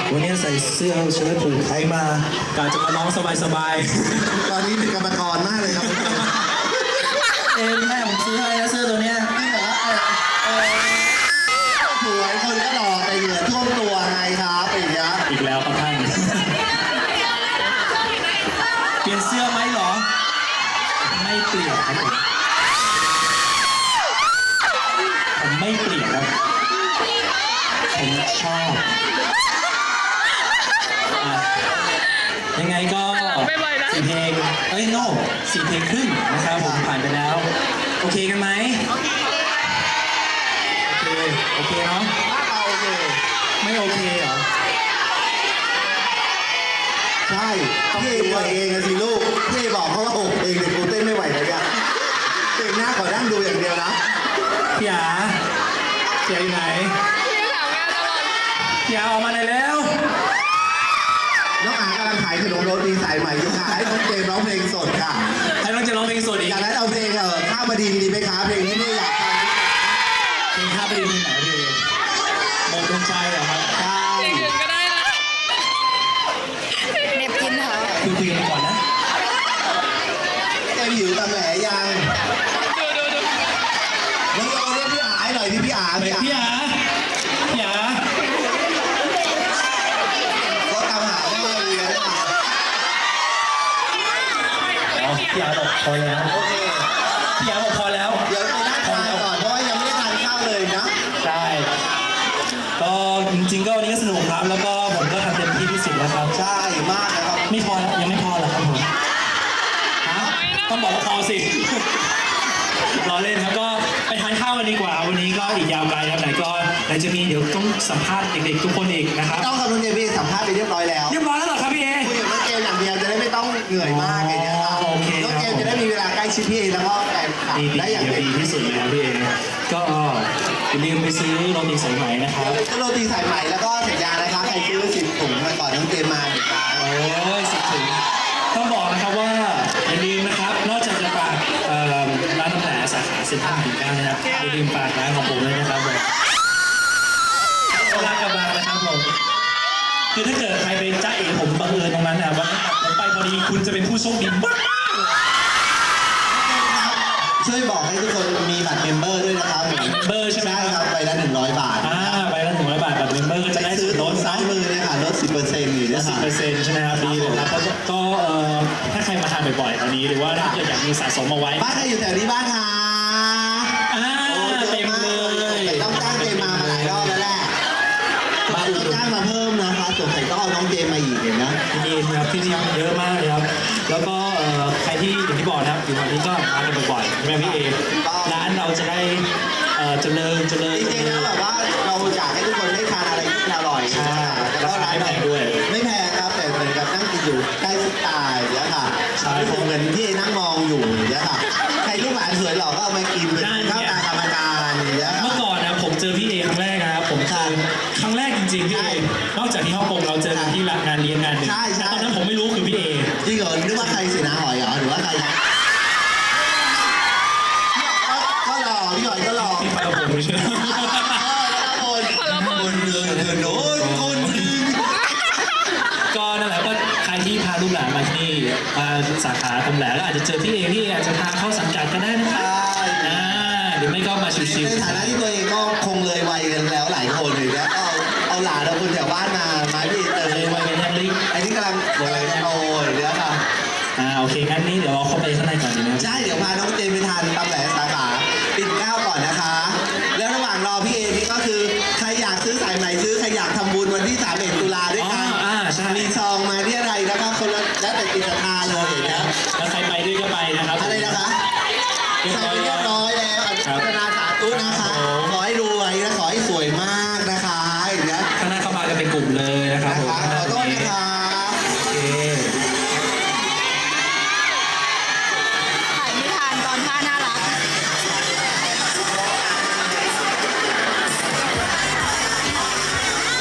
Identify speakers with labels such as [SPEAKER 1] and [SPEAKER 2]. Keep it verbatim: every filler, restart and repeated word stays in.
[SPEAKER 1] วันนี้ใส่เสื้อเชิ้ตผูกไทยมาการจะมาร้องสบายๆ
[SPEAKER 2] ตอนนี้เป็นกรรมกรมากเลยครับ
[SPEAKER 1] เอ็มแม่ผมซื้อให้นะเสื้อตัวเนี้ย
[SPEAKER 2] นี่เหรอเออเออสวยคนก็หล่อแต่เหงื่อท่วมตัวไงครับอย่างเงี้ย
[SPEAKER 1] อีกแล้วครับท่านเปลี่ยนเสื้อไหมหรอไม่เปลี่ยนครับผมผมไม่เปลี่ยนครับผมชอบอ่ะยังไงก็สี่เพลงเอ้ยโน่สี่เพลงครึ่งนะครับผมผ่านไปแล้วโอเคกันไหมโอเคโอเคเนาะ
[SPEAKER 2] เอาโอเค
[SPEAKER 1] ไม่โอเคเหรอ
[SPEAKER 2] ใช่พี่เหนื่อยเองนะสิลูกพี่บอกเขาว่าหกเพลงเดี๋ยวกูเต้นไม่ไหวแล้วเนี่ยเพลงหน้าขอนั่งดูอย่างเดียวนะ
[SPEAKER 1] พี่อาพี่อาอยู่ไหนพี่อาออกมาหน่อยแล้ว
[SPEAKER 2] น้องอากำลังขายขนมโรตีสายใหม่อยู่ค่ะให้น้องเจมร้องเพลงสดค่ะ
[SPEAKER 1] ให้น้องจะร้องเพลงสดอีก
[SPEAKER 2] จากนั้นเอาเพลงเออข้าวมาดีดีไหมคะเพลงนี้พี่อยากฟัง
[SPEAKER 1] เพลงข้าไปดีเพลงไหนพี่หมดดวงใจเหรอครับ
[SPEAKER 2] ใช่
[SPEAKER 3] ก็ได้นะเน็บกินค่ะ
[SPEAKER 1] คุยคุยกันก่อนนะ
[SPEAKER 2] เจมหิวตำแหน่ยัง
[SPEAKER 3] ดูดูดู
[SPEAKER 2] น้องโยเรียกพี่อาให้หน่อยพี่พี่อา
[SPEAKER 1] เฮ้ย
[SPEAKER 2] พี่อา
[SPEAKER 1] พี่อาพี่อา
[SPEAKER 2] ก็ตามหาได้เลยนะคะ
[SPEAKER 1] อ๋อพี่อาบอกพอแล้ว
[SPEAKER 2] โอเค
[SPEAKER 1] พี่อาบอกพอแล้ว
[SPEAKER 2] เดี๋ยวไปนั่งทานก่อนเพราะว่ายังไม่ได้ทานข้าวเลยนะ
[SPEAKER 1] ใช่ก็จริงๆก็วันนี้ก็สนุกครับแล้วก็ผมก็ทำเต็มที่ที่สุดแล้วครับ
[SPEAKER 2] ใช่มากนะครับ
[SPEAKER 1] ไม่พอแล้วยังไม่พอเหรอครับผมฮะต้องบอกว่าพอสิ รอเล่นครับก็ไปทานข้าวกันดีกว่าวันนี้ก็อีกยาวไกลครับไหนก็ไหนจะมีเดี๋ยวต้องสัมภาษณ์เด็กๆทุกคนอีกนะครับ
[SPEAKER 2] ต้องกับน้องเจมพี่สัมภาษณ์ไปเรียบร้อยแล้ว
[SPEAKER 1] เรียบร้อยแล้วเหรอครับพี่เอ
[SPEAKER 2] คุยกับน้องเจมอย่างเดียวจะได้ไม่ต้องเหนื่อยมากไงเนี่ยครับ
[SPEAKER 1] โอเค
[SPEAKER 2] น้องเจมจะได้มีเวลาใกล้ชิดพี่แล้วก็แฟนคลับ
[SPEAKER 1] ดี
[SPEAKER 2] ได้อย่าง
[SPEAKER 1] ดี
[SPEAKER 2] เต็ม
[SPEAKER 1] ดี
[SPEAKER 2] ที่
[SPEAKER 1] ที่สุดเลยครับพี่เอก็อย่าลืมไปซื้อโรตีสายไหมนะครับ
[SPEAKER 2] ก็โรตีสายใหม่แล้วก็สัญญานะคะใครซื้อสิบถุงมาก่อนน้องเจมมาเหมือนกัน
[SPEAKER 1] โอ้ยสิบถึงต้องบอกนะครับว่าอย่าลืมนะครับนอกจากจะฝากเอ่อร้านน้ำแผลสาขาเซ็นทรัลปิ่นเกล้านะครับอย่าลืมฝากร้านของผมด้วยนะครับผมร้านกระบังนะครับผมคือถ้าเกิดใครไปจ้าเอ๋ผมบังเอิญตรงนั้นนะวันนั้นผมไปพอดีคุณจะเป็นผู้โชคดีมาก
[SPEAKER 2] ช่วยบอกให้ทุกคนมีบัตรเมมเบอร์ด้วยนะครับ
[SPEAKER 1] เบอร์ใช่ไหม
[SPEAKER 2] ใช่ครับไปละหนึ่งร้อยบาท
[SPEAKER 1] อ่าใบละหนึ่งร้อยบาทแบบเมมเบอร์ก็จะได้
[SPEAKER 2] ซื้
[SPEAKER 1] ส่
[SPEAKER 2] อ
[SPEAKER 1] วนล
[SPEAKER 2] ร
[SPEAKER 1] ด
[SPEAKER 2] ถซ้ายมือเนี่ยค่ะลดสิบเปอร์เซ็นต์อยู่นะ
[SPEAKER 1] สิบ
[SPEAKER 2] คะ
[SPEAKER 1] เปอร์เซ็นต์ใช่ไหมครับดีเลยครับก็ก็เอ่อถ้าใครมาทานบ่อยๆตอนนี้หรือว่าถ้าเกิดอยากมีสะสมเอาไว้
[SPEAKER 2] บ้านใครอยู่แถวนี้บ้างคะ
[SPEAKER 1] อ่า
[SPEAKER 2] โอ้
[SPEAKER 1] เต็มเลย
[SPEAKER 2] แต่ต้องจ้างเจมมามาหลายรอบแล้วแหละบ้านต้องจ้างมาเพิ่มนะคะสงสัยต้องเอาน้องเจมมาอีกเห็นนะ
[SPEAKER 1] ดีนะครับที่นี่เยอะมากเลยครับแล้วก็เอ่อใครที่อย่างที่บอกนะครับอยู่แถวนี้ก็มากันบ่อยๆใช่ไหมพี่เอร้านเราจะได้เอ่อเจริญเจริญ
[SPEAKER 2] จริงๆแล้วแบบว่าเราอยากให้ทุกคนได้ทานอะไรที่อร่อย
[SPEAKER 1] ใช่
[SPEAKER 2] แล้วก็ร้าน
[SPEAKER 1] ราคาไม่แพงด้วย
[SPEAKER 2] ไม่แพงครับแต่เหมือนกับนั่งกินอยู่ใกล้สไตล์เนี่ยค่ะ
[SPEAKER 1] ใช่
[SPEAKER 2] รู้สึกเหมือนที่นั่งมองอยู่เนี่ยค่ะใครลูกหลานสวยหล่อก็เอามากินเป็นข้าวตากรรมการอย่างเงี้ย
[SPEAKER 1] เมื่อก่อนนะผมเจอพี่เอครั้งแรกนะครับผมเจอครั้งแรกจริงๆพี่เอนอกจากที่ฮ่องกงเราเจอกันที่งานเลี้ยงงานหนึ่ง
[SPEAKER 2] ใช่ใช่
[SPEAKER 1] ตอนนั้นผมไม่รู้คือพี่เอ
[SPEAKER 2] จริงเหรอนึกว่าใครสินะหอยเหรอหรือว่าใครนะก็หล่อพี่หอยก็หล่อ
[SPEAKER 1] ที่ไปกับผมใช่ไหม
[SPEAKER 2] คนคนเดินเดินโน้นคน
[SPEAKER 1] ก็นั่นแหละก็ใครที่พาลูกหลานมาที่นี่มาสาขาตรงแหลก็อาจจะเจอพี่เอพี่อาจจะพาเข้าสังกัดก็ได้นะครับอ่าหรือไม่ก็มาชิว
[SPEAKER 2] ในฐานะที่ตัวเองก็คงเลยวัยกันแล้วหลายคนเลยแล้วก็เอาเอาหลานเอาคนแถวบ้านมามาพี่เติม
[SPEAKER 1] ๆเลยวัยเป็นยังลิก
[SPEAKER 2] ไอ้นี่กำลังกำลังจะโตยเนี่ยค่ะ
[SPEAKER 1] อ่าโอเคงั้นนี้เดี๋ยวเราเข้าไปข้างในก่อนดีไหมครับ
[SPEAKER 2] ใช่เดี๋ยวพาน้องเจมไปทานตำแหลสาขาปิ่นเกล้าก่อนนะคะ แล้วระหว่างรอพี่เอพี่ก็คือใครอยากซื้อสายไหมซื้อใครอยากทำบุญวันที่สามสิบเอ็ดตุลาด้วย
[SPEAKER 1] อ๋อ
[SPEAKER 2] กัน
[SPEAKER 1] อ่าใช่
[SPEAKER 2] มีซองมาที่อะไรนะครับคนละแล้วแต่จิตศรัทธาเลยนะ
[SPEAKER 1] แล้วใครไปด้วยก็ไปนะครับ
[SPEAKER 2] ใคร